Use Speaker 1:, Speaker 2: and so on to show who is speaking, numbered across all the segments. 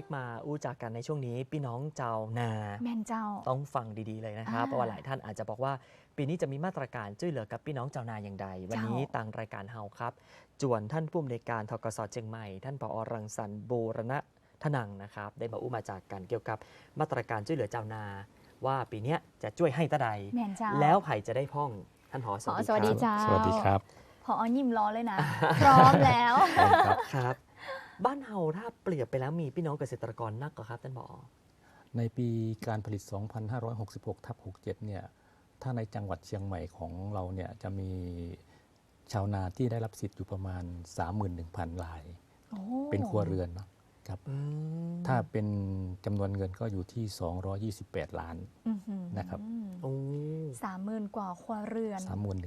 Speaker 1: กมาอู้จากกันในช่วงนี้พี่น้องเจ้านา
Speaker 2: แม่นเจ้า
Speaker 1: ต้องฟังดีๆเลยนะครับเพราะว่าหลายท่านอาจจะบอกว่าปีนี้จะมีมาตรการช่วยเหลือกับพี่น้องเจ้านาอย่างใดวันนี้ทางรายการเฮาครับจวนท่านผู้อำนวยการทกสเชียงใหม่ท่านผอ.รังสรรค์บูรณะทนังนะครับได้มาอู้มาจากกันเกี่ยวกับมาตรการช่วยเหลือเจ้านาว่าปีนี้จะช่วยให้ตาใดแล้วไผ่จะได้พ่องท่านผอ.
Speaker 2: สวัสดีเจ้า
Speaker 3: สวัสดีครับ
Speaker 2: ผอ.ยิ้มล้อเลยนะพร้อมแล้ว
Speaker 1: ครับบ้านเฮาถ้าเปรียบไปแล้วมีพี่น้องเกษตรกรนักกว่าครับท่านผอ.
Speaker 3: ในปีการผลิต 2566/67 เนี่ยถ้าในจังหวัดเชียงใหม่ของเราเนี่ยจะมีชาวนาที่ได้รับสิทธิ์อยู่ประมาณ 31,000 รายเป็นครัวเรือนนะครับถ้าเป็นจำนวนเงินก็อยู่ที่228 ล้านนะครับ
Speaker 2: 30,000 กว่าครัวเรือน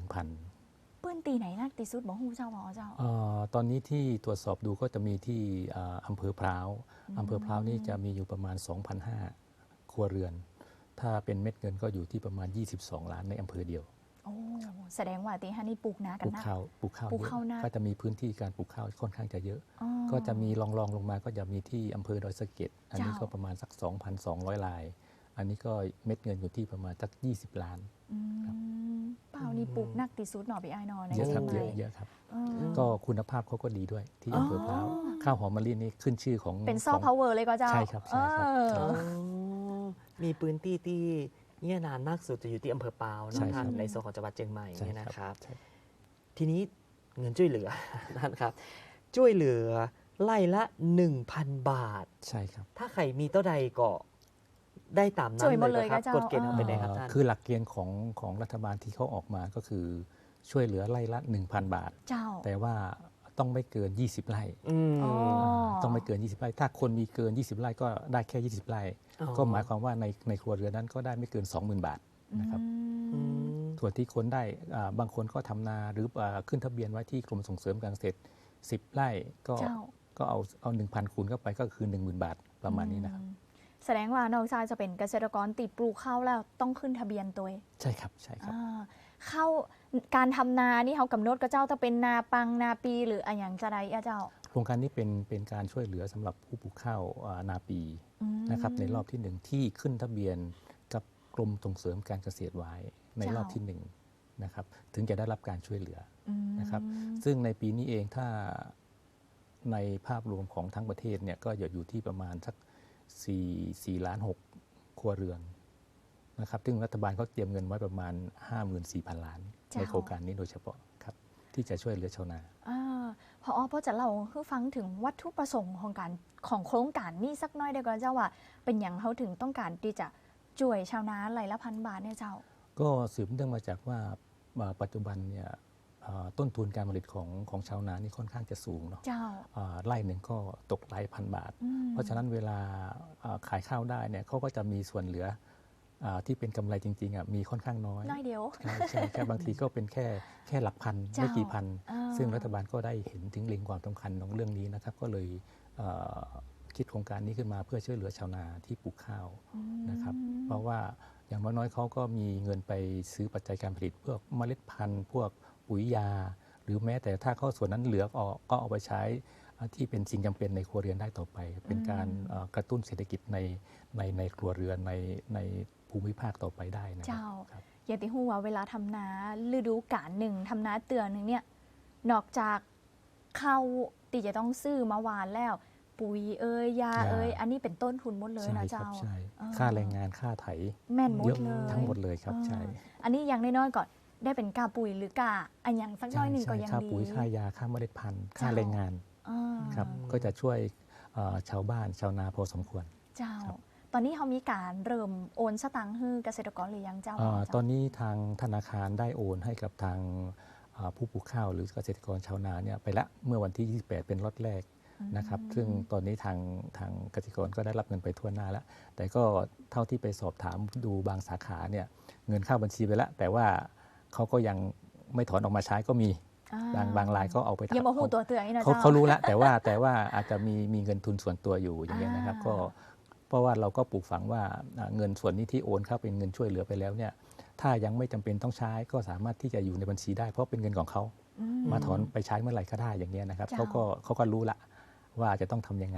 Speaker 3: 31,000
Speaker 2: ปื้นตีไหนนักตีสุดบอกฮู้เจ้าบอกเจ้า
Speaker 3: ตอนนี้ที่ตรวจสอบดูก็จะมีที่อำเภอพร้าวนี่จะมีอยู่ประมาณ 2,500 ครัวเรือนถ้าเป็นเม็ดเงินก็อยู่ที่ประมาณ22 ล้านในอำเภอเดียว
Speaker 2: แสดงว่าตีฮันนี่ปลูกนากันนะ
Speaker 3: ปลูกข้าวเยอะก็จะมีพื้นที่การปลูกข้าวค่อนข้างจะเยอะก็จะมีรองลงมาก็จะมีที่อำเภอดอยสะเก็ดอันนี้ก็ประมาณสัก 2,200 รายอันนี้ก็เม็ดเงินอยู่ที่ประมาณสัก20 ล้าน
Speaker 2: เปล่านี่ปลูกนักตีสุดหน่อพี่ไอ้นอใน
Speaker 3: เยอะครับเยอะครับก็คุณภาพเขาก็ดีด้วยที่อำเภอพร้าวข้าวหอมมะลินี่ขึ้นชื่อของ
Speaker 2: เป็นซอฟต์พาวเวอร์เลยก็เจ้า
Speaker 3: ใช่ครับใช่ครับ
Speaker 1: มีพื้นที่ที่เนี่ยนานมากสุดจะอยู่ที่อำเภอปาวนะครับในโซนของจังหวัดเชียงใหม่เนี่ยนะครับทีนี้เงินช่วยเหลือนะครับช่วยเหลือไล่ละ 1,000 บาท
Speaker 3: ใช่ครับ
Speaker 1: ถ้าใครมีเท่าใดก็ได้ตามนั้นเลยครับกฎเกณฑ์เป็นไงครับท่าน
Speaker 3: คือหลักเกณฑ์ของรัฐบาลที่เขาออกมาก็คือช่วยเหลือไร่ละ 1,000 บาทแต่ว่าต้องไม่เกิน20 ไร่ต้องไม่เกิน20 ไร่ถ้าคนมีเกิน20 ไร่ก็ได้แค่20 ไร่ก็หมายความว่าในครัวเรือนนั้นก็ได้ไม่เกิน 20,000 บาทนะครับส่วนที่คนได้บางคนก็ทำนาหรือขึ้นทะเบียนไว้ที่กรมส่งเสริมการเกษตร10 ไร่ก็เอา 1,000 คูณเข้าไปก็คือ 10,000 บาทประมาณนี้นะครับ
Speaker 2: แสดงว่านอกจากจะเป็นเกษตรกรติดปลูกข้าวแล้วต้องขึ้นทะเบียนตัว
Speaker 3: ใช่ครับใช่ครับ
Speaker 2: เข้าการทำนานี่เขากำหนดกับเจ้าถ้าเป็นนาปังนาปีหรืออะไรอย่างจะใดเจ้า
Speaker 3: โครงการนี้เป็นการช่วยเหลือสำหรับผู้ปลูกข้าวนาปีนะครับในรอบที่1ที่ขึ้นทะเบียนกับกรมส่งเสริมการเกษตรไว้ในรอบที่1นะครับถึงจะได้รับการช่วยเหลือนะครับซึ่งในปีนี้เองถ้าในภาพรวมของทั้งประเทศเนี่ยก็อยู่ที่ประมาณสัก4 ล้าน 6 ครัวเรือนนะครับซึ่งรัฐบาลเขาเตรียมเงินไว้ประมาณ 54,000 ล้านในโครงการนี้โดยเฉพาะครับที่จะช่วยเหลือชาวนา
Speaker 2: พอจะเล่าให้ฟังถึงวัตถุประสงค์ของโครงการนี้สักน้อยได้ก่อนเจ้าว่าเป็นอย่างเขาถึงต้องการที่จะช่วยชาวนาไร่ละ 1,000 บาทเนี่ยเจ้า
Speaker 3: ก็สืบเนื่องมาจากว่าปัจจุบันเนี่ยต้นทุนการผลิตของชาวนานี่ค่อนข้างจะสูงเนาะไร่หนึ่งก็ตกหลายพันบาทเพราะฉะนั้นเวลาขายข้าวได้เนี่ยเขาก็จะมีส่วนเหลือที่เป็นกำไรจริงๆมีค่อนข้างน้อย
Speaker 2: เดียว
Speaker 3: ใช่แค่บางทีก็เป็นแค่หลักพันไม่กี่พันซึ่งรัฐบาลก็ได้เห็นถึงเล็งความสำคัญของเรื่องนี้นะครับก็เลยคิดโครงการนี้ขึ้นมาเพื่อช่วยเหลือชาวนาที่ปลูกข้าวนะครับเพราะว่าอย่างน้อยๆเขาก็มีเงินไปซื้อปัจจัยการผลิตพวกเมล็ดพันธุ์พวกปุ๋ยยาหรือแม้แต่ถ้าเขาส่วนนั้นเหลือออกก็เอาไปใช้ที่เป็นสิ่งจำเป็นในครัวเรือนได้ต่อไปเป็นการกระตุ้นเศรษฐกิจในครัวเรือนในภูมิภาคต่อไปได้นะ
Speaker 2: เจ้าอย่าติหูว่าเวลาทำนาฤดูกาลหนึ่งทำนาเตือนหนึ่งเนี่ยนอกจากข้าวตีจะต้องซื้อมาหวานแล้วปุ๋ยยาอันนี้เป็นต้นทุนหมดเลยนะเจ้า
Speaker 3: ใช่ค่าแรงงานค่าไถ
Speaker 2: แม่นหมดเลย
Speaker 3: ทั้งหมดเลยครับใช่
Speaker 2: อันนี้ยังน้อยๆก่อนได้เป็นกาปุ๋ยหรือกาอันอย่างสักน้อยหนึ่งก็ยังดี
Speaker 3: ค่าปุ๋ยค่ายาค่าเมล็ดพันธุ์ค่าแรงงานครับก็จะช่วยชาวบ้านชาวนาพอสมควร
Speaker 2: เจ้าตอนนี้เขามีการเริ่มโอนสตังค์ให้เกษตรกรหรือยังเจ้า
Speaker 3: ตอนนี้ทางธนาคารได้โอนให้กับทางผู้ปลูกข้าวหรือเกษตรกรชาวนาเนี่ยไปละเมื่อวันที่28เป็นล็อตแรกนะครับซึ่งตอนนี้ทางเกษตรกรก็ได้รับเงินไปทั่วหน้าแล้วแต่ก็เท่าที่ไปสอบถามดูบางสาขาเนี่ยเงินเข้าบัญชีไปแล้วแต่ว่าเขาก็ยังไม่ถอนออกมาใช้ก็มีบางรายก็เอาไป
Speaker 2: ยังมาหูตัวเตือนนะ
Speaker 3: เขารู้แล้วแต่ว่าอาจจะมีเงินทุนส่วนตัวอยู่อย่างเงี้ยนะครับก็เพราะว่าเราก็ปลูกฝังว่าเงินส่วนนี้ที่โอนเข้าเป็นเงินช่วยเหลือไปแล้วเนี่ยถ้ายังไม่จำเป็นต้องใช้ก็สามารถที่จะอยู่ในบัญชีได้เพราะเป็นเงินของเขามาถอนไปใช้เมื่อไหร่ก็ได้อย่างเงี้ยนะครับเขาก็รู้ละว่าจะต้องทำยังไง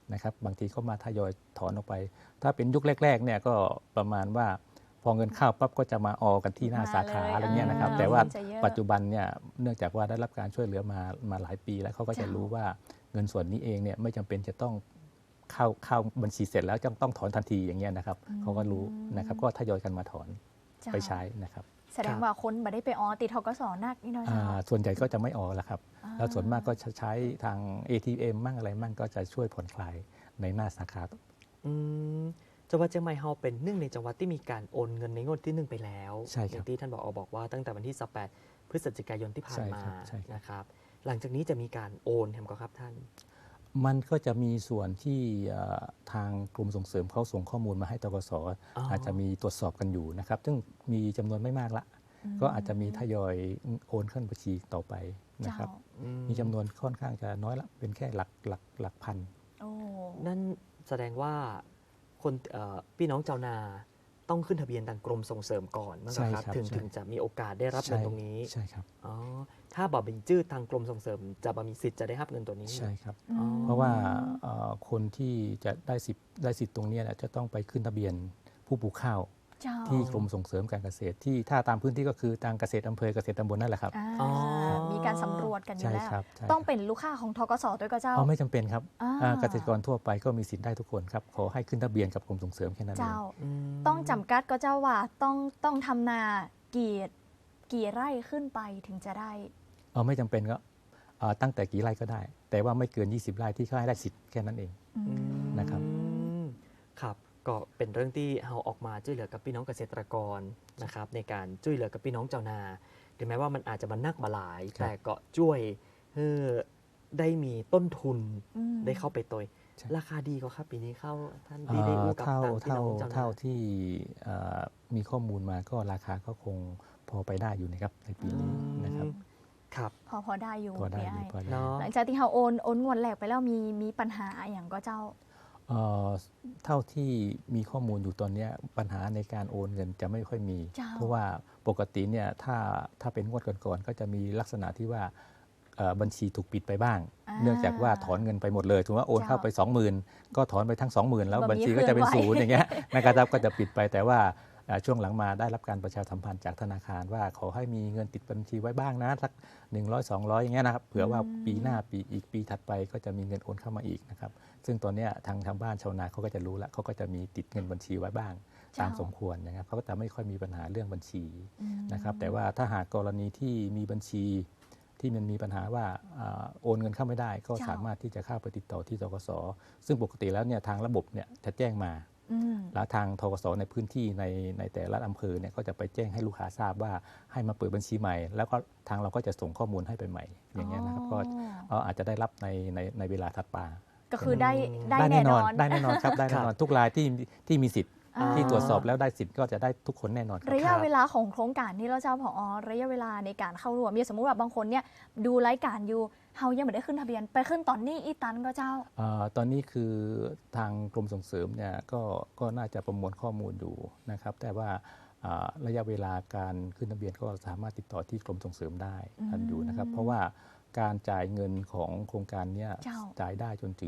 Speaker 3: นะครับบางทีก็มาทยอยถอนออกไป ถ้าเป็นยุคแรกๆเนี่ยก็ประมาณว่าพอเงินเข้าปั๊บก็จะมาออกันที่หน้าสาขาอะไรเงี้ยนะครับแต่ว่าปัจจุบันเนี่ยเนื่องจากว่าได้รับการช่วยเหลือมาหลายปีแล้วเขาก็จะรู้ว่าเงินส่วนนี้เองเนี่ยไม่จำเป็นจะต้องเข้าบัญชีเสร็จแล้วต้องถอนทันทีอย่างเงี้ยนะครับเขาก็รู้นะครับก็ทยอยกันมาถอนไปใช้นะครับ
Speaker 2: แสดงว่าคนบ่ได้ไปอ๋อติดทกสนักนี่เนาะเจ้า
Speaker 3: ส่วนใหญ่ก็จะไม่ออกแล้วครับแล้วส่วนมากก็จะใช้ทาง ATM มั่งอะไรมั่งก็จะช่วยผ่อนคลายในหน้าสาขา
Speaker 1: จังหวัดเชียงใหม่เราเป็นหนึ่งในจังหวัดที่มีการโอนเงินในงวดที่ 1ไปแล้ว
Speaker 3: ใช่ครับ
Speaker 1: อย่างที่ท่านบอกว่าตั้งแต่วันที่ 18 พฤศจิกายนที่ผ่านมา
Speaker 3: ใช่ครับ
Speaker 1: นะครับหลังจากนี้จะมีการโอนแฮมก็ครับท่าน
Speaker 3: มันก็จะมีส่วนที่ทางกรมส่งเสริมเขาส่งข้อมูลมาให้ตกส อาจจะมีตรวจสอบกันอยู่นะครับซึ่งมีจำนวนไม่มากละ ก็อาจจะมีทยอยโอนขึ้นบัญชีต่อไปนะครับ มีจำนวนค่อนข้างจะน้อยละเป็นแค่หลักพัน
Speaker 1: นั่นแสดงว่าคนพี่น้องชาวนาต้องขึ้นทะเบียนทางกรมส่งเสริมก่อนมั้ง
Speaker 3: ใช่
Speaker 1: ครับ
Speaker 3: ครับ
Speaker 1: ถึง
Speaker 3: ใช่
Speaker 1: ถึงจะมีโอกาสได้รับเงินตรงนี้
Speaker 3: ใช่ครับ
Speaker 1: อ๋อถ้าบอกเป็นชื่อทางกรมส่งเสริมจะบ่มีสิทธิ์จะได้รับเงินตัวนี้
Speaker 3: ใช่ครับ
Speaker 1: อ๋อ
Speaker 3: เพราะว่าคนที่จะได้สิทธิ์ตรงเนี้ยจะต้องไปขึ้นทะเบียนผู้ปลูกข้าว
Speaker 2: เจ้า
Speaker 3: ที่กรมส่งเสริมการเกษตรที่ถ้าตามพื้นที่ก็คือทางเกษตรอำเภอเกษตรตำบลนั่นแหละครับ
Speaker 2: อ่ามีการสำรวจกันอยู่
Speaker 3: ใช่
Speaker 2: แล้ว
Speaker 3: ครับใช่
Speaker 2: ต้องเป็นลูกค้าของทกสด้วยก็เจ้า
Speaker 3: ไม่จำเป็นครับ
Speaker 2: อ่า
Speaker 3: เกษตรกรทั่วไปก็มีสิทธิ์ได้ทุกคนครับขอให้ขึ้นทะเบียนกับกรมส่งเสริมแค่นั้นเอง
Speaker 2: เจ้า
Speaker 1: อืม
Speaker 2: ต้องจำกัดก็เจ้าว่าต้องทำนากี่ไร่ขึ้นไปถึงจะได้
Speaker 3: ไม่จำเป็นก็ตั้งแต่กี่ไร่ก็ได้ แต่ว่าไม่เกิน 20 ไร่ที่เขาให้ได้สิทธิ์แค่นั้นเอง นะครับ
Speaker 1: ครับก็เป็นเรื่องที่เราออกมาช่วยเหลือกับพี่น้องเกษตรกรนะครับในการช่วยเหลือกับพี่น้องชาวนาถึงแม้ว่ามันอาจจะมานักมาหลาย แต่ก็ช่วยให้ได้มีต้นทุน ได้เข้าไปตัวราคาดีก็ครับปีนี้เข้าท่านดีได้อู้กับทางพี่น้องชาวนา
Speaker 3: เท่าที่มีข้อมูลมาก็ราคาก็คงพอไปได้อยู่นะครับในปีนี้นะครับ
Speaker 1: ครับ
Speaker 2: พอได้อยู่
Speaker 3: พอได้
Speaker 2: พี่
Speaker 3: อยู่
Speaker 2: ไอ้
Speaker 3: พอได้
Speaker 1: เนาะ
Speaker 2: หลังจากที่เขาโอนงวดแรกไปแล้วมีปัญหาอย่างก็เจ้า
Speaker 3: เท่าที่มีข้อมูลอยู่ตอนเนี้ยปัญหาในการโอนเงินจะไม่ค่อยมี
Speaker 2: เจ้า
Speaker 3: เพราะว่าปกติเนี่ยถ้าเป็นงวดก่อนๆก็จะมีลักษณะที่ว่าบัญชีถูกปิดไปบ้าง เนื่องจากว่าถอนเงินไปหมดเลยถือว่าโอนเข้าไป 20,000 ก็ถอนไปทั้ง 20,000 แล้วบัญชีก็จะเป็นศูนย์อย่างเงี้ยนะครับก็จะปิดไปแต่ว่าช่วงหลังมาได้รับการประชาสัมพันธ์จากธนาคารว่าขอให้มีเงินติดบัญชีไว้บ้างนะสัก100-200อย่างเงี้ยนะครับเผื่อว่าปีหน้าปีถัดไปก็จะมีเงินโอนเข้ามาอีกนะครับซึ่งตอนเนี้ยทางบ้านชาวนาเขาก็จะรู้แล้วเขาก็จะมีติดเงินบัญชีไว้บ้างตามสมควรนะครับเขาก็จะไม่ค่อยมีปัญหาเรื่องบัญชีนะครับแต่ว่าถ้าหากกรณีที่มีบัญชีที่มันมีปัญหาว่าโอนเงินเข้าไม่ได้ก็สามารถที่จะเข้าไปติดต่อที่ธกส.ซึ่งปกติแล้วเนี่ยทางระบบเนี่ยจะแจ้งมา แล้วทางธกส.ในพื้นที่ในแต่ละอำเภอเนี่ยก็จะไปแจ้งให้ลูกค้าทราบว่าให้มาเปิดบัญชีใหม่ แล้วก็ทางเราก็จะส่งข้อมูลให้ไปใหม่อย่างเงี้ยนะครับก็อาจจะได้รับในเวลาถัดมา
Speaker 2: ก็คือได้
Speaker 3: ได้
Speaker 2: แน่
Speaker 3: แน่
Speaker 2: น
Speaker 3: น
Speaker 2: อ
Speaker 3: อน นได้แน่นอนครับได้แน่นอนทุกรายที่มีสิทธิ์ที่ตรวจสอบแล้วได้สิทธิ์ก็จะได้ทุกคนแน่นอนครับ
Speaker 2: ระยะเวลาของโครงการนี้เราเจ้าผอระยะเวลาในการเข้าร่วมสมมุติว่าบางคนเนี่ยดูรายการอยู่เฮายังไม่ได้ขึ้นทะเบียนไปขึ้นตอนนี้อีตันก็เจ้า
Speaker 3: ตอนนี้คือทางกรมส่งเสริมเนี่ยก็น่าจะประมวลข้อมูลอยู่นะครับแต่ว่าระยะเวลาการขึ้นทะเบียนก็สามารถติดต่อที่กรมส่งเสริมได้ทันอยู่นะครับเพราะว่าการจ่ายเงินของโครงการเนี้ย
Speaker 2: เจ้า
Speaker 3: จ่ายได้จนถึง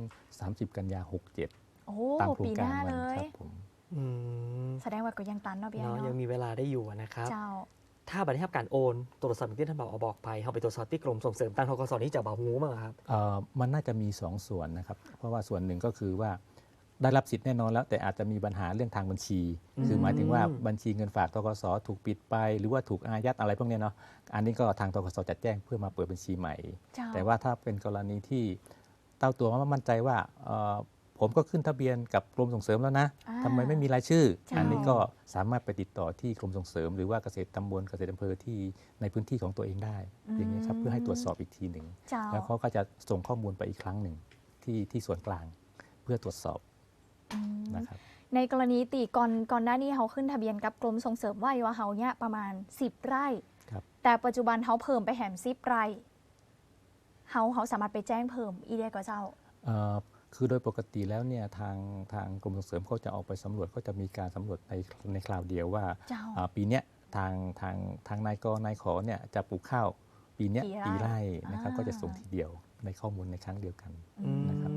Speaker 3: 30 กันยา 67
Speaker 2: โอ้
Speaker 3: ตามโคร
Speaker 2: ปี
Speaker 3: ง
Speaker 2: ห
Speaker 3: การ
Speaker 2: น้า
Speaker 3: มั
Speaker 2: เล
Speaker 3: น
Speaker 2: ย
Speaker 3: ครับผม
Speaker 1: อืม
Speaker 2: แสดงว่าก็ยังตันเนาะพี่ไอ้
Speaker 1: เนาะ
Speaker 2: เนาะ
Speaker 1: ยังมีเวลาได้อยู่นะครับ
Speaker 2: เจ้า
Speaker 1: ถ้าบัตรให้การโอนตรวจสอบอย่างที่ท่านบอกไปเขาไปตรวจสอบที่กรมส่งเสริมทางธกสนี่จะบ่หูมั้งครับ
Speaker 3: มันน่าจะมี 2 ส่วนนะครับเพราะว่าส่วนหนึ่งก็คือว่าได้รับสิทธิ์แน่นอนแล้วแต่อาจจะมีปัญหาเรื่องทางบัญชี คือหมายถึงว่าบัญชีเงินฝากธกสถูกปิดไป หรือว่าถูกอายัดอะไรพวกนี้เนาะอันนี้ก็ทางธกสจะแจ้งเพื่อมาเปิดบัญชีใหม่
Speaker 2: เจ้า
Speaker 3: แต่ว่าถ้าเป็นกรณีที่เต้าตัวมั่นใจว่าผมก็ขึ้นทะเบียนกับกรมส่งเสริมแล้วนะทำไมไม่มีรายชื่อ อันนี้ก็สามารถไปติดต่อที่กรมส่งเสริม หรือว่าเกษตรตำบลเกษตรอำเภอที่ในพื้นที่ของตัวเองได้อย่างนี้ครับเพื่อให้ตรวจสอบอีกทีหนึ่ง
Speaker 2: เจ้า
Speaker 3: แล้วเขาก็จะส่งข้อมูลไปอีกครั้งหนึ่งที่ส่วนกลางเพื่อตรวจสอบนะครับ
Speaker 2: ในกรณีตีก่อนหน้านี้เขาขึ้นทะเบียนกับกรมส่งเสริมไว้ว่าเขาเนี่ยประมาณ10 ไร่
Speaker 3: ครับ
Speaker 2: แต่ปัจจุบันเขาเพิ่มไปแหม10 ไร่เขาสามารถไปแจ้งเพิ่มอีได้ก็เจ้า
Speaker 3: คือโดยปกติแล้วเนี่ยทางกรมส่งเสริมเขาจะออกไปสำรวจก็จะมีการสำรวจในคราวเดียวว่า
Speaker 2: เจ้า
Speaker 3: ปีเนี้ยทางนายกนายขอเนี่ยจะปลูกข้าวปีเนี้ย
Speaker 2: กี่ไร่
Speaker 3: กี่ไร่นะครับ
Speaker 2: อ่า
Speaker 3: ก็จะส่งทีเดียวในข้อมูลในครั้งเดียวกัน
Speaker 1: อืม
Speaker 3: นะครับ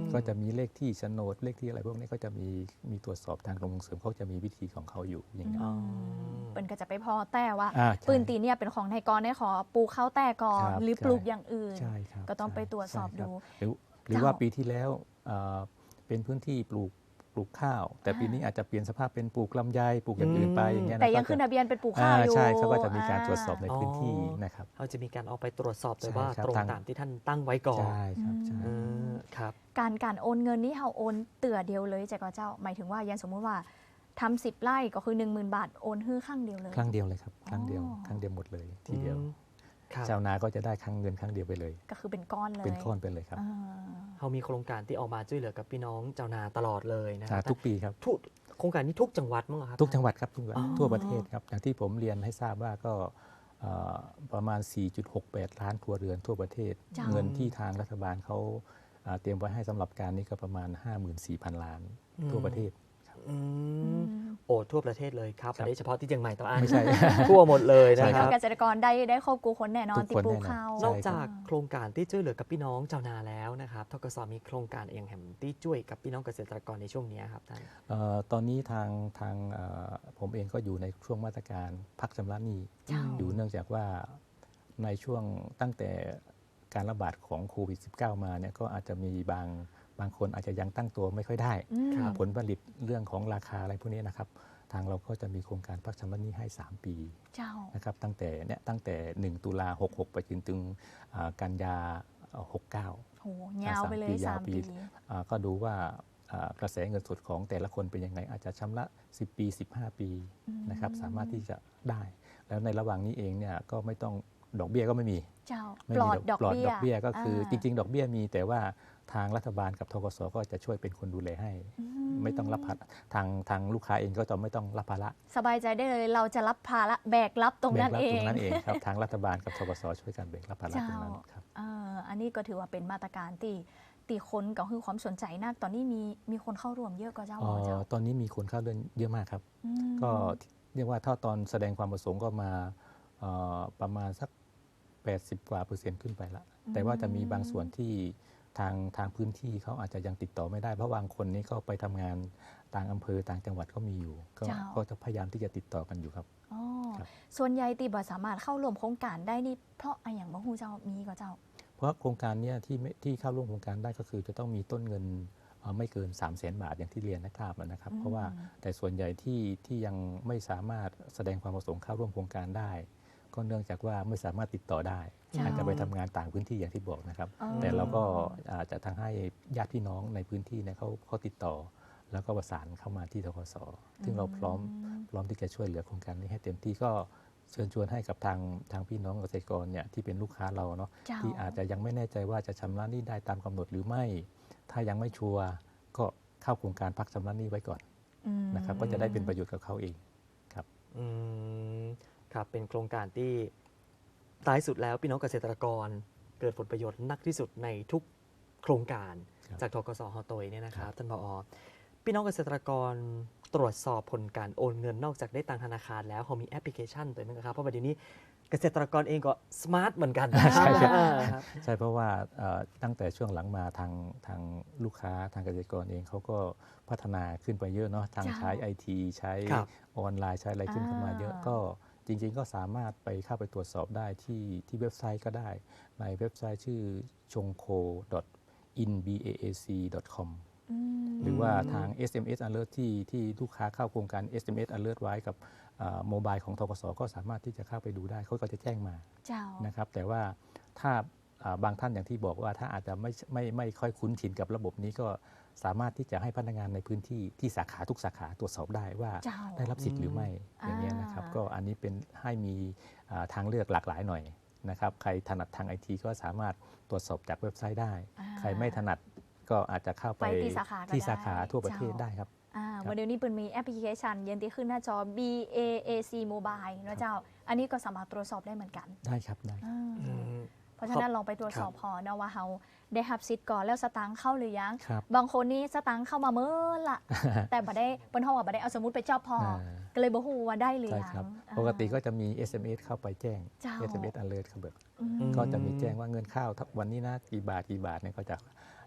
Speaker 3: ก็จะมีเลขที่โฉนดเลขที่อะไรพวกนี้ก็จะมีตรวจสอบทางกรมส่งเสริมเขาจะมีวิธีของเขาอยู่อย่างนี้น
Speaker 1: อ๋อ
Speaker 2: เปิ้นก็จะไปพอแต่ว่า
Speaker 3: ใช่
Speaker 2: ปืนตีเนี่ยเป็นของไทยกรได้ขอปลูกข้าวแต่ก่อน
Speaker 3: ครับ
Speaker 2: หรือปลูกอย่างอื่น
Speaker 3: ใช่ครับ
Speaker 2: ก็ต้องไปตรวจสอบ
Speaker 3: ใช่ค
Speaker 2: ดู
Speaker 3: หรือว่าปีที่แล้วเป็นพื้นที่ปลูกข้าว แต่ปีนี้อาจจะเปลี่ยนสภาพเป็นปลูกลำไยปลูกอย่างอื่นไปอย่างเงี้ย
Speaker 2: แต่ยัง
Speaker 3: ก็จะ
Speaker 2: ขึ้นทะเบียนเป็นปลูกข้าวอยู่
Speaker 3: ใช่เขาก็จะมีการตรวจสอบใน
Speaker 1: อ๋อ
Speaker 3: พื้นที่นะครับ
Speaker 1: เขาจะมีการเอาไปตรวจสอบเลย
Speaker 3: ใช่
Speaker 1: ว่า
Speaker 3: ครับ
Speaker 1: ตรง
Speaker 3: ทาง
Speaker 1: ตามที่ท่านตั้งไว้ก่อน
Speaker 3: ใช่ครับใช่
Speaker 1: เออครับ
Speaker 2: การโอนเงินนี่เราโอนเตื่อเดียวเลยจากเจ้าหมายถึงว่ายันสมมุติว่าทำ10 ไร่ก็คือ 10,000 บาทโอนฮื้อข้างเดียวเลย
Speaker 3: ครั้งเดียวเลยครับครั้งเดียว
Speaker 2: อ๋อ
Speaker 3: ครั้งเดียวหมดเลยทีเดียว
Speaker 1: ครับ
Speaker 3: ชาวนาก็จะได้เงินครั้งเดียวไปเลย
Speaker 2: ก็คือเป็นก้อนเลย
Speaker 3: เป็นก้อนไปเลยครับ
Speaker 2: อ่า
Speaker 1: เขามีโครงการที่ออกมาช่วยเหลือกับพี่น้องชาวนาตลอดเลยนะค
Speaker 3: อ่า
Speaker 1: รับ
Speaker 3: ทุกปีครับ
Speaker 1: ทุกโครงการนี้ทุกจังหวัดมั้งเหรอครับ
Speaker 3: ทุกจังหวัดครับทุกจังหวัด
Speaker 1: อ๋อ
Speaker 3: ทั่วประเทศครับอย่างที่ผมเรียนให้ทราบว่าก็ประมาณ 4.68 ล้านครัวเรือนทั่วประเทศ
Speaker 2: จ้า
Speaker 3: เงินที่ทางรัฐบาลเขาเตรียมไว้ให้สำหรับการนี้ก็ประมาณ 54,000 ล้านทั่วประเทศ
Speaker 1: อื
Speaker 2: อื
Speaker 1: ม
Speaker 2: ม
Speaker 1: โอ้ทั่วประเทศเลยครับ
Speaker 3: ครับ
Speaker 1: ไม่ได้เฉพาะที่เชียงใหม่ต่ออัน
Speaker 3: ไม่ใช่
Speaker 1: ทั่วหมดเลยนะ
Speaker 3: ใช่
Speaker 1: ค
Speaker 3: ครั
Speaker 1: รับ
Speaker 3: บ
Speaker 2: เกษตรกรได้ครอบครัวคนแน่นอน
Speaker 3: ทุก
Speaker 2: ติด
Speaker 3: คน
Speaker 2: ปลูก
Speaker 3: แน่นอน
Speaker 2: ข้าว
Speaker 3: ใช่
Speaker 1: นอกจากโครงการที่ช่วยเหลือกับพี่น้องชาวนาแล้วนะครับทกสมีโครงการอย่างแหมที่ช่วยกับพี่น้องเกษตรกรในช่วงนี้ครับท่าน
Speaker 3: ตอนนี้ทางผมเองก็อยู่ในช่วงมาตรการพักชำระหนี้
Speaker 2: เจ้า
Speaker 3: อยู่เนื่องจากว่าในช่วงตั้งแต่การระบาดของโควิด -19 มาเนี่ยก็อาจจะมีบางคนอาจจะยังตั้งตัวไม่ค่อยได้
Speaker 2: อืม
Speaker 1: ครับ
Speaker 3: ผลผลิตเรื่องของราคาอะไรพวกนี้นะครับ ทางเราก็จะมีโครงการพักชำระหนี้ให้ 3 ปี
Speaker 2: เจ้า
Speaker 3: นะครับตั้งแต่ 1 ตุลา66 ไปจนถึงกันยา 69
Speaker 2: โหยาวไปเลย
Speaker 3: ยาว
Speaker 2: 3
Speaker 3: ปี
Speaker 2: ปี
Speaker 3: ก็ดูว่ากระแสเงินสดของแต่ละคนเป็นยังไง อาจจะชำระ 10 ปี 15 ปีนะครับสามารถที่จะได้ แล้วในระหว่างนี้เองเนี่ยก็ไม่ต้องดอกเบี้ยก็ไม่มี
Speaker 2: เจ้า
Speaker 3: ไม่
Speaker 2: ปล
Speaker 3: มี
Speaker 2: อดดอก
Speaker 3: ปลอด
Speaker 2: เบี้ย
Speaker 3: ดอกเบี้ยก็คือจ
Speaker 2: า
Speaker 3: ริง ๆ ดอกเบี้ยมีแต่ว่าทางรัฐบาลกับธกสก็จะช่วยเป็นคนดูแลให้ ไม่ต้องรับภาระทางลูกค้าเองก็จะไม่ต้องรับภาระ
Speaker 2: สบายใจได้เลยเราจะรับภาระแบกรับตรงนั้น
Speaker 3: แบก
Speaker 2: เอ
Speaker 3: ต
Speaker 2: ง
Speaker 3: รงนั้นเองครับ ทางรัฐบาลกับธกสช่วยกันแบกรับภาระตรงนั้นครับ
Speaker 2: อันนี้ก็ถือว่าเป็นมาตรการตีคนก็คือความสนใจนักตอนนี้มีคนเข้าร่วมเยอะก็เจ้าเจ้า
Speaker 3: ตอนนี้มีคนเข้าเรื่องเยอะมากครับ
Speaker 2: อืม
Speaker 3: ก็เรียกว่าถ้าตอนแสดงความประสงค์ก็มาประมาณสัก 80 กว่า%ขึ้นไปละแต่ว่าจะมีบางส่วนที่ทางพื้นที่เขาอาจจะยังติดต่อไม่ได้ เพราะบางคนนี้ก็ไปทำงานต่างอำเภอต่างจังหวัดก็มีอยู่ ก็จะพยายามที่จะติดต่อกันอยู่ครับ
Speaker 2: อ๋อ
Speaker 3: ครับ
Speaker 2: ส่วนใหญ่ตีบ่สามารถเข้าร่วมโครงการได้นี่เพราะอะไรอย่างบ่ฮู้เจ้ามีก็เจ้า
Speaker 3: เพราะโครงการเนี้ที่เข้าร่วมโครงการได้ก็คือจะต้องมีต้นเงินไม่เกิน 300,000 บาทอย่างที่เรียนนะครับนะครับ เพราะว่าแต่ส่วนใหญ่ที่ยังไม่สามารถแสดงความประสงค์เข้าร่วมโครงการได้ ก็เนื่องจากว่าไม่สามารถติดต่อได้
Speaker 2: จ้า
Speaker 3: อาจจะไปทำงานต่างพื้นที่อย่างที่บอกนะครับ
Speaker 2: อ๋อ
Speaker 3: แต่เราก็อาจจะทางให้ญาติพี่น้องในพื้นที่เนี่ยเขาติดต่อ แล้วก็ประสานเข้ามาที่ธกสซึ่งเราพร้อมที่จะช่วยเหลือโครงการนี้ให้เต็มที่ก็เชิญชวนให้กับทางพี่น้องเกษตรกรเนี่ยที่เป็นลูกค้าเราเนาะ
Speaker 2: เจ้า
Speaker 3: ที่อาจจะยังไม่แน่ใจว่าจะชำระหนี้ได้ตามกำหนดหรือไม่ ถ้ายังไม่ชัวร์ก็เข้าโครงการพักชำระหนี้ไว้ก่อน
Speaker 2: อืม
Speaker 3: นะครับก็จะได้เป็นประโยชน์กับเขาเอง
Speaker 1: อืมครับเป็นโครงการที่ท้ายสุดแล้วพี่น้องเกษตรกรเกิดผลประโยชน์นักที่สุดในทุกโครงการ
Speaker 3: ครับ
Speaker 1: จากทกสฮอตยเนี่ยนะครับท่านผอพี่น้องเกษตรกรตรวจสอบผลการโอนเงินนอกจากได้ตังธนาคารแล้วเขามีแอปพลิเคชันตัวนึงครับเพราะว่าเดี๋ยวนี้เกษตรกรเองก็สมาร์ทเหมือนกันนะ
Speaker 3: ใช่ใช่
Speaker 1: ครับ
Speaker 3: ใช่เพราะว่าตั้งแต่ช่วงหลังมาทางลูกค้าทางเกษตรกรเองเขาก็พัฒนาขึ้นไปเยอะเนาะทาง
Speaker 2: จ้า
Speaker 3: ใช้ IT ใช้
Speaker 1: ครับ
Speaker 3: ออนไลน์ใช้อะไรขึ้นเข้ามาเยอะ
Speaker 2: อ่า
Speaker 3: ก็จริงๆก็สามารถเข้าไปตรวจสอบได้ที่เว็บไซต์ก็ได้ ในเว็บไซต์ชื่อ chongko.inbaac.com
Speaker 2: อืม
Speaker 3: หรือว่าทาง SMS alert ที่ลูกค้าเข้าโครงการ SMS alert ไว้กับโมบายของธกสก็สามารถที่จะเข้าไปดูได้เขาก็จะแจ้งมา
Speaker 2: เจ้า
Speaker 3: นะครับแต่ว่าถ้าบางท่านอย่างที่บอกว่าถ้าอาจจะไม่ค่อยคุ้นชินกับระบบนี้ก็สามารถที่จะให้พนักงานในพื้นที่ที่สาขาทุกสาขาตรวจสอบได้ว่า
Speaker 2: เจ้า
Speaker 3: ได้รับสิทธิ์หรือไม่อย่างนี้ยนะครับก็อันนี้เป็นให้มีทางเลือกหลากหลายหน่อยนะครับใครถนัดทางไอทีก็สามารถตรวจสอบจากเว็บไซต์ได้ ใครไม่ถนัดก็อาจจะเข้าไป
Speaker 2: ไปที่สาขาก็
Speaker 3: ที่สาขา
Speaker 2: ได้
Speaker 3: ทั่วประเทศ
Speaker 2: เจ้า
Speaker 3: ได้ครับ
Speaker 2: วันเดี๋ยวนี้เปิดมีแอปพลิเคชันเย็นที่ขึ้นหน้าจอ BAAC Mobile นะเจ้า อันนี้ก็สามารถตรวจสอบได้เหมือนกัน
Speaker 3: ได้ครับได้
Speaker 2: อ่า
Speaker 1: อืม
Speaker 2: เพราะฉะนั้นลองไปตรวจสอบพอนะว่าเราได้รับสิทธิ์ก่อนแล้วสตางค์เข้าหรือยัง
Speaker 3: ครับ
Speaker 2: บางคนนี่สตางค์เข้ามาเมื่อละ แต่บ่ได้เปิ้นเฮาว่าบ่ได้เอาสมุดไปจอบพอ ก็เลยบ่ฮู้ว่าได้หรือ
Speaker 3: ใช่
Speaker 2: ยัง
Speaker 3: ครับ
Speaker 2: อ่า
Speaker 3: ปกติก็จะมี SMS เข้าไปแจ้ง
Speaker 2: เจ้า
Speaker 3: SMS alert ครับ
Speaker 2: อืม
Speaker 3: ก็จะมีแจ้งว่าเงินเข้าวันนี้นะกี่บาทเนี่ยก็จะ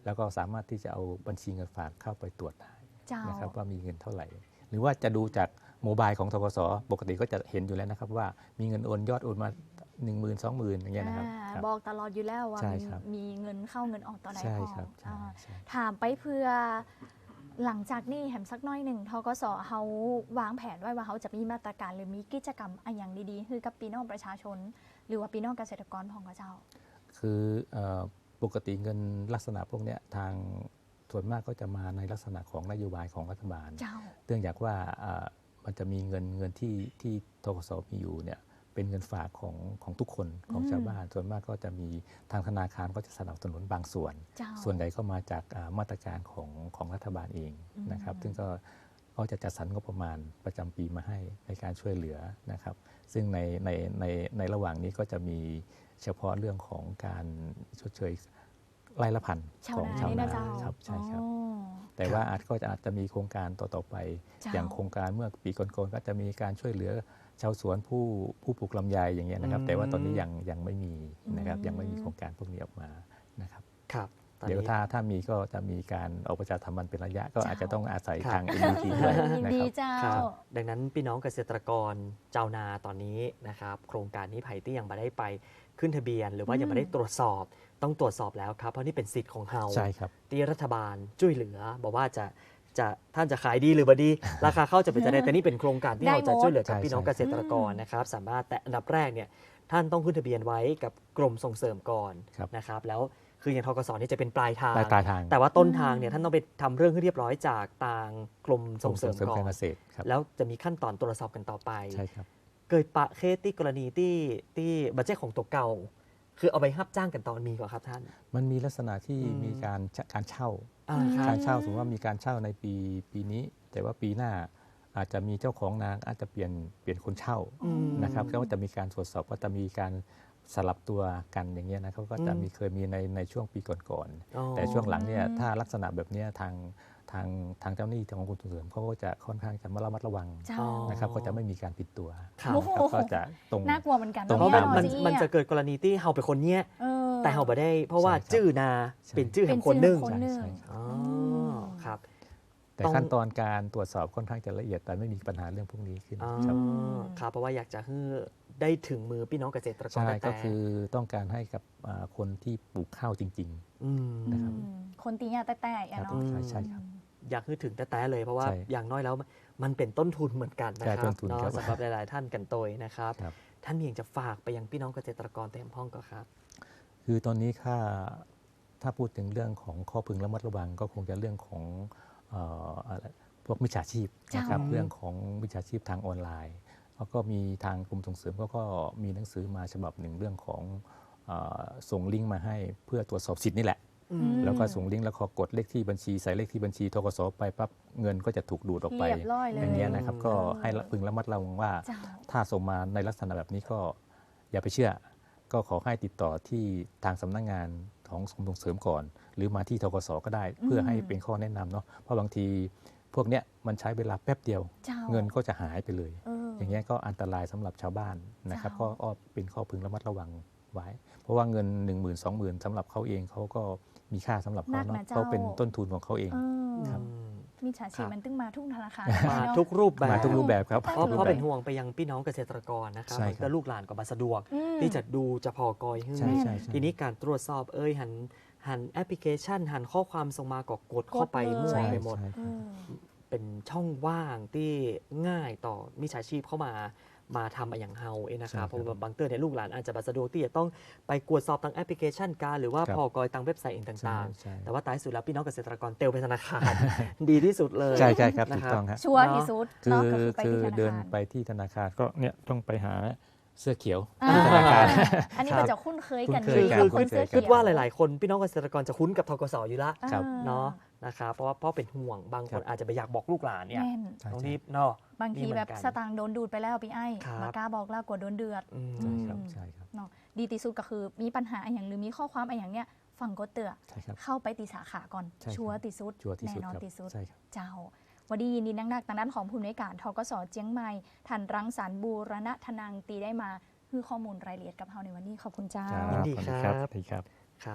Speaker 3: แล้วก็สามารถที่จะเอาบัญชีเงินฝากเข้าไปตรวจได้
Speaker 2: เจ้า
Speaker 3: นะครับว่ามีเงินเท่าไหร่ หรือว่าจะดูจากโมบายของธกสปกติก็จะเห็นอยู่แล้วนะครับว่ามีเงินโอนยอดโอนมา 10,000 20,000อย่างเงี้ยนะครับครับ
Speaker 2: บอกตลอดอยู่แล้วว่า
Speaker 3: ใช่ครับ
Speaker 2: มีเงินเข้าเงินออกตอนไหน
Speaker 3: ใช่
Speaker 2: พอ
Speaker 3: ครับใช่
Speaker 2: อ่า
Speaker 3: ใช่
Speaker 2: ถามไปเพื่อหลังจากนี้แหมสักหน้อยหนึ่งทกสเขาวางแผนไว้ว่าเขาจะมีมาตรการหรือมีกิจกรรมอะไรอย่างดีๆคือกับพี่น้องประชาชน หรือว่าพี่น้องเกษตรกรของเจ้า
Speaker 3: คือปกติเงินลักษณะพวกเนี้ยทางส่วนมากก็จะมาในลักษณะของนโยบายของรัฐบาล
Speaker 2: เจ้า
Speaker 3: เนื่องจากว่ามันจะมีเงินที่ธกสมีอยู่เนี่ยเป็นเงินฝากของทุกคนของชาวบ้าน ส่วนมากก็จะมีทางธนาคารก็จะสนับสนุนบางส่วน
Speaker 2: เจ้า
Speaker 3: ส่วนใหญ่ก็มาจากมาตรการของรัฐบาลเองนะครับซึ่งก็จะจัดสรรงบประมาณประจำปีมาให้ในการช่วยเหลือนะครับซึ่งในระหว่างนี้ก็จะมีเฉพาะเรื่องของการชดเชยไร่ละพัน
Speaker 2: ชาว
Speaker 3: ของ
Speaker 2: นา
Speaker 3: ชาว
Speaker 2: นี่
Speaker 3: นา
Speaker 2: นะเจ้า
Speaker 3: ครับใช่ครับ
Speaker 2: อ๋อ
Speaker 3: แต่ว่าอาจจะมีโครงการต่อๆไป
Speaker 2: เจ้า
Speaker 3: อย่างโครงการเมื่อปีก่อนๆก็จะมีการช่วยเหลือชาวสวนผู้ปลูกลำไยอย่างเงี้ยนะครับ แต่ว่าตอนนี้ยังไม่มีนะครับยังไม่มีโครงการพวกนี้ออกมานะครับ
Speaker 1: ครับตอน
Speaker 3: เดี๋ยว
Speaker 1: นี้
Speaker 3: ถ้ามีก็จะมีการออกประชาสัมพันธ์เป็นระยะก็
Speaker 2: เจ้า
Speaker 3: อาจจะต้องอาศัย
Speaker 1: ครับ
Speaker 3: ทาง NUT ด้วย
Speaker 2: ยิน
Speaker 3: นะค
Speaker 2: ดี
Speaker 3: รับ
Speaker 2: เจ้า
Speaker 1: ครับดังนั้นพี่น้องเกษตรกรเจ้านาตอนนี้นะครับโครงการนี้ไผ่ที่ยังไม่ได้ไปขึ้นทะเบียน หรือว่ายังไม่ได้ตรวจสอบต้องตรวจสอบแล้วครับเพราะนี่เป็นสิทธิ์ของเฮา
Speaker 3: ใช่ครับ
Speaker 1: ที่รัฐบาลช่วยเหลือบอกว่าจะท่านจะขายดีหรือบ่ดี ราคาเข้าจะเป็นจะได้แต่นี่เป็นโครงการที่
Speaker 2: ได้
Speaker 1: เราจะ
Speaker 2: หมด
Speaker 1: ช่วยเหลือกับ
Speaker 3: ใช่
Speaker 1: พี่น้อง
Speaker 3: ใช่
Speaker 1: เกษตรกรนะครับสามารถแต่อันดับแรกเนี่ยท่านต้องขึ้นทะเบียนไว้กับกรมส่งเสริมก่อน
Speaker 3: ครับ
Speaker 1: นะครับแล้วคืออย่างทกสนี่จะเป็นปลายทาง
Speaker 3: ปลายทาง
Speaker 1: แต่ว่าต้นทางเนี่ยท่านต้องไปทำเรื่องให้เรียบร้อยจากทางกรมส่งเสริมก่อ
Speaker 3: การ
Speaker 1: น
Speaker 3: เกษตรครับ
Speaker 1: แล้วจะมีขั้นตอนตรวจสอบกันต่อไป
Speaker 3: ใช่ครับ
Speaker 1: เกิดปะเคสที่กรณีที่บัจเจตของตัวเก่า คือเอาไปรับจ้างกันตอนมีก่อนครับท่าน
Speaker 3: มันมีลักษณะที่
Speaker 1: อืม
Speaker 3: มีการเช่า
Speaker 1: ครับ
Speaker 3: การเช่าสมมติว่ามีการเช่าในปีนี้ แต่ว่าปีหน้าอาจจะมีเจ้าของนาอาจจะเปลี่ยนคนเช่า
Speaker 1: อืม
Speaker 3: นะครับก็จะมีการตรวจสอบว่าจะมีการสลับตัวกันอย่างเงี้ยนะครับก็จะเคยมีในช่วงปีก่อน
Speaker 1: อ๋อ
Speaker 3: ๆแต่ช่วงหลังเนี่ยถ้าลักษณะแบบเนี้ยทางเจ้าหน้าที่ของกรมส่งเสริมเขาก็จะค่อนข้างจะระมัดระวัง
Speaker 2: เจ้า
Speaker 1: อ๋อ
Speaker 3: นะครับก็จะไม่มีการปิดตัว
Speaker 1: ครับ
Speaker 2: โอ้โห
Speaker 3: นะครับก็จะตรง
Speaker 2: น่ากลัวเหมือนกัน
Speaker 3: ตรง
Speaker 1: เพราะ
Speaker 2: เย
Speaker 1: มันจะเกิดกรณีที่เฮาเป็นคนเนี้ย
Speaker 2: เออ
Speaker 1: แต่เฮาไม่ได้ เพราะว่า
Speaker 3: ใช่ครับ
Speaker 1: จื้อนา
Speaker 3: ใช่
Speaker 1: เป็นจื้อ
Speaker 2: เป็
Speaker 1: แห่
Speaker 2: น
Speaker 1: งคนหนึ่ง
Speaker 2: ชื่อของคนหนึ่ง
Speaker 3: ใช่
Speaker 1: อ๋อครับ
Speaker 3: แต่
Speaker 1: ต้อง
Speaker 3: ขั้นตอนการตรวจสอบค่อนข้างจะละเอียดแต่ไม่มีปัญหาเรื่องพวกนี้ขึ้น
Speaker 1: อ๋อ
Speaker 3: ครับ
Speaker 1: ครับเพราะว่าอยากจะให้ได้ถึงมือพี่น้องเกษตรกร
Speaker 3: ใช่
Speaker 1: แต่
Speaker 3: ก็คือต้องการให้กับคนที่ปลูกข้าวจริง
Speaker 1: อืม
Speaker 3: นะครับ
Speaker 2: คนตีเนี่ยแต่ๆอะ
Speaker 3: ครับ
Speaker 2: เนาะ
Speaker 3: ใช่ครับ
Speaker 1: อยากให้ถึงแต่เลยเพราะว่า
Speaker 3: ใช่
Speaker 1: อย่างน้อยแล้วมันเป็นต้นทุนเหมือนกันนะ
Speaker 3: ใช่
Speaker 1: ครั
Speaker 3: ต้
Speaker 1: บ
Speaker 3: นทุน
Speaker 1: เนาะ
Speaker 3: ครับ
Speaker 1: สำหรับหลาย ๆ ท่านกันโตยนะครับ
Speaker 3: ครับ
Speaker 1: ท่านมีอยากจะฝากไปยังพี่น้องเกษตรกรเต็มห้องก็ครับ
Speaker 3: คือตอนนี้ถ้าพูดถึงเรื่องของข้อพึงระมัดระวังก็คงจะเรื่องของอะไรพวกมิจฉาชีพนะครับ
Speaker 1: เจ้า
Speaker 3: เรื่องของมิจฉาชีพทางออนไลน์แล้วก็มีทางกรมส่งเสริมก็มีหนังสือมาฉบับหนึ่งเรื่องของส่งลิงก์มาให้เพื่อตรวจสอบสิทธิ์นี่แหละ
Speaker 1: อืม
Speaker 3: แล้วก็ส่งลิงก์แล้วขอกดเลขที่บัญชีใส่เลขที่บัญชีธกสไปปั๊บเงินก็จะถูกดูดออกไป
Speaker 2: เรียบร้อยเลย
Speaker 3: อย่างเงี้ยนะครับก็ให้พึงระมัดระวังว่า
Speaker 2: เจ้า
Speaker 3: ถ้าส่งมาในลักษณะแบบนี้ก็อย่าไปเชื่อ ก็ขอให้ติดต่อที่ทางสำนักงานของกรมส่งเสริมก่อน หรือมาที่ธกสก็ได้ เพื่อให้เป็นข้อแนะนำเนาะเพราะบางทีพวกเนี้ยมันใช้เวลาแป๊บเดียว
Speaker 2: เจ้า
Speaker 3: เงินก็จะหายไปเลย
Speaker 2: เออ
Speaker 3: อย่างเงี้ยก็อันตรายสำหรับชาวบ้านนะครับ
Speaker 2: เจ้า
Speaker 3: ก็เป็นข้อพึงระมัดระวังไว้ เพราะว่าเงิน 10,000 20,000สำหรับเขาเองเขาก็มีค่าสำหรับเขา
Speaker 2: นั
Speaker 3: เนาะ
Speaker 2: กนะเจ้า
Speaker 3: เขาเป็นต้นทุนของเขาเอง
Speaker 2: เออ
Speaker 3: ครับ
Speaker 2: มีฉาชี
Speaker 1: ครั
Speaker 2: พ
Speaker 1: บ
Speaker 2: มันตึงมาทุกธนาคาร
Speaker 1: มา
Speaker 2: เนอะ
Speaker 1: ทุกรูปแบบ
Speaker 3: มาทุกรูปแบบครับ
Speaker 2: เพ
Speaker 1: เพราะ
Speaker 3: ทุก
Speaker 1: เพราะ
Speaker 3: แบบ
Speaker 1: เป็นห่วงไปยังพี่น้องเกษตรกรนะครับ
Speaker 3: ใช่
Speaker 1: มัน
Speaker 3: ครั
Speaker 1: ก็
Speaker 3: บ
Speaker 1: ลูกหลานก็บสะดวก
Speaker 2: อืม
Speaker 1: ที่จะดูจะพอกอยขึ้น
Speaker 3: ใช่ใช่ใช่
Speaker 1: ทีนี้การตรวจสอบหันแอปพลิเคชัน หันข้อความส่งมาก็กดเข้าไป
Speaker 2: กดเลย
Speaker 1: มั่ว
Speaker 3: ใช่
Speaker 1: ไปหมด
Speaker 3: ใช่
Speaker 2: เอ
Speaker 3: ครับ
Speaker 2: อ
Speaker 1: เป็นช่องว่างที่ง่ายต่อมิจฉาชีพเข้ามาทำอย่างเฮาเองนะครับ
Speaker 3: ใช่ครับ
Speaker 1: เพราะว่าบางเตือนเนี่ยลูกหลานอาจจะบสะดวกที่จะต้องไปกวดสอบทางแอปพลิเคชันการหรือว่า
Speaker 3: ครับ
Speaker 1: พอกอยทางเว็บไซต์เอง
Speaker 3: ใช่
Speaker 1: ต่าง
Speaker 3: ใช่
Speaker 1: ๆ แต่ว่าท้ายสุดแล้วพี่น้องเกษตรกรเตลไปธนาคาร ดีที่สุดเลย
Speaker 3: ใช่ใช่ครับ
Speaker 1: นะ
Speaker 3: ถูก
Speaker 1: ครับ
Speaker 3: ต้องครับ
Speaker 2: ชัวร์ที่สุด
Speaker 3: คื
Speaker 2: เนาะ
Speaker 3: อ
Speaker 2: ก็คือไป
Speaker 3: คือ
Speaker 2: ที่ธนา
Speaker 3: เดิน
Speaker 2: คาร
Speaker 3: ไปที่ธนาคารก็เนี่ยต้องไปหาเสื้อเขียว
Speaker 2: อ่า
Speaker 3: ธนาคาร
Speaker 2: อันนี้
Speaker 1: ครับ
Speaker 2: มันจะคุ้นเคยกัน
Speaker 3: คุ้นเคยกัน
Speaker 2: ดี
Speaker 3: คุ้นเคยกัน
Speaker 1: คิดว่าหลาย ๆ คนพี่น้องเกษตรกรจะคุ้นกับทกสอยู่ละ
Speaker 3: ครับ
Speaker 1: เนาะนะครับเพราะเป็นห่วงบางคน
Speaker 3: ครับ
Speaker 1: อาจจะไปอยากบอกลูกหลานเนี่ย
Speaker 2: แม่น
Speaker 3: ใช่
Speaker 1: ต้อง
Speaker 3: ใช่
Speaker 1: รีบเนาะ
Speaker 2: บางที
Speaker 1: นี่เหมือน
Speaker 2: แบบ
Speaker 1: กัน
Speaker 2: สตางค์โดนดูดไปแล้วพี่ไอ้
Speaker 1: ครับ
Speaker 2: มากล้าบอกแล้วกลัวโดนเดือด
Speaker 1: อืม
Speaker 3: ใช่ครับใช่ครับ
Speaker 2: เนาะดีที่สุดก็คือมีปัญหาอย่างหรือมีข้อความอะไรอย่างเนี้ยฟังก็เตือ
Speaker 3: ใช่ครับ
Speaker 2: เข้าไปตีสาขาก่อน
Speaker 3: ใช่ครับ
Speaker 2: ชัวร์ที่สุด
Speaker 3: ชัวร์ที่สุด
Speaker 2: แน่นอน
Speaker 3: ครับ
Speaker 2: ที่สุด
Speaker 3: ใช่ครับ
Speaker 2: เจ้าวันดียินดีนักๆทางด้านของผู้อำนวยการทกสเจียงใหม่ท่านรังสรรค์บูรณะธนังตีได้มาคือข้อมูลรายละเอียดกับเราในวันนี้ขอบคุณเจ้า
Speaker 3: ครับ
Speaker 1: ยินดี
Speaker 3: สวัส
Speaker 1: ครับ
Speaker 3: สวัสดีครับ
Speaker 1: ครับ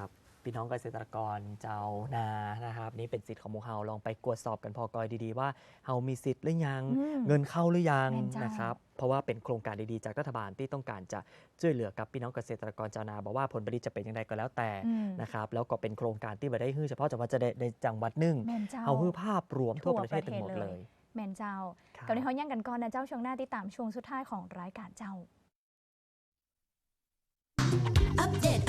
Speaker 1: พี่น้องเกษตรกรเจ้านานะครับนี่เป็นสิทธิ์ของหมู่เฮาลองไปตรวจสอบกันพอกอยดีๆว่าเฮามีสิทธิ์หรือยัง
Speaker 2: อืม
Speaker 1: เงินเข้าหรือยัง
Speaker 2: แม่นเจ้าน
Speaker 1: นะครับเพราะว่าเป็นโครงการดีๆจากรัฐบาลที่ต้องการจะช่วยเหลือกับพี่น้องเกษตรกรชาวนาบอกว่าผลผลิตจะเป็นยังไงก็แล้วแต่
Speaker 2: อืม
Speaker 1: นะครับแล้วก็เป็นโครงการที่ไม่ได้ฮื้อเฉพาะจังหวัดจะได้ในจังหวัดหนึ่ง
Speaker 2: แม่นเจ้า
Speaker 1: เฮาฮื้อภาพรวมทั่ว
Speaker 2: ทั่ว
Speaker 1: ประเทศทั้งหมด
Speaker 2: ประเทศ
Speaker 1: เล
Speaker 2: เลย ย แม่นเจ้า
Speaker 1: ครับ
Speaker 2: กับในเขาย่างกันก่อนนะเจ้าช่วงหน้าติดตามช่วงสุดท้ายของรายการเจ้า
Speaker 4: อัปเดต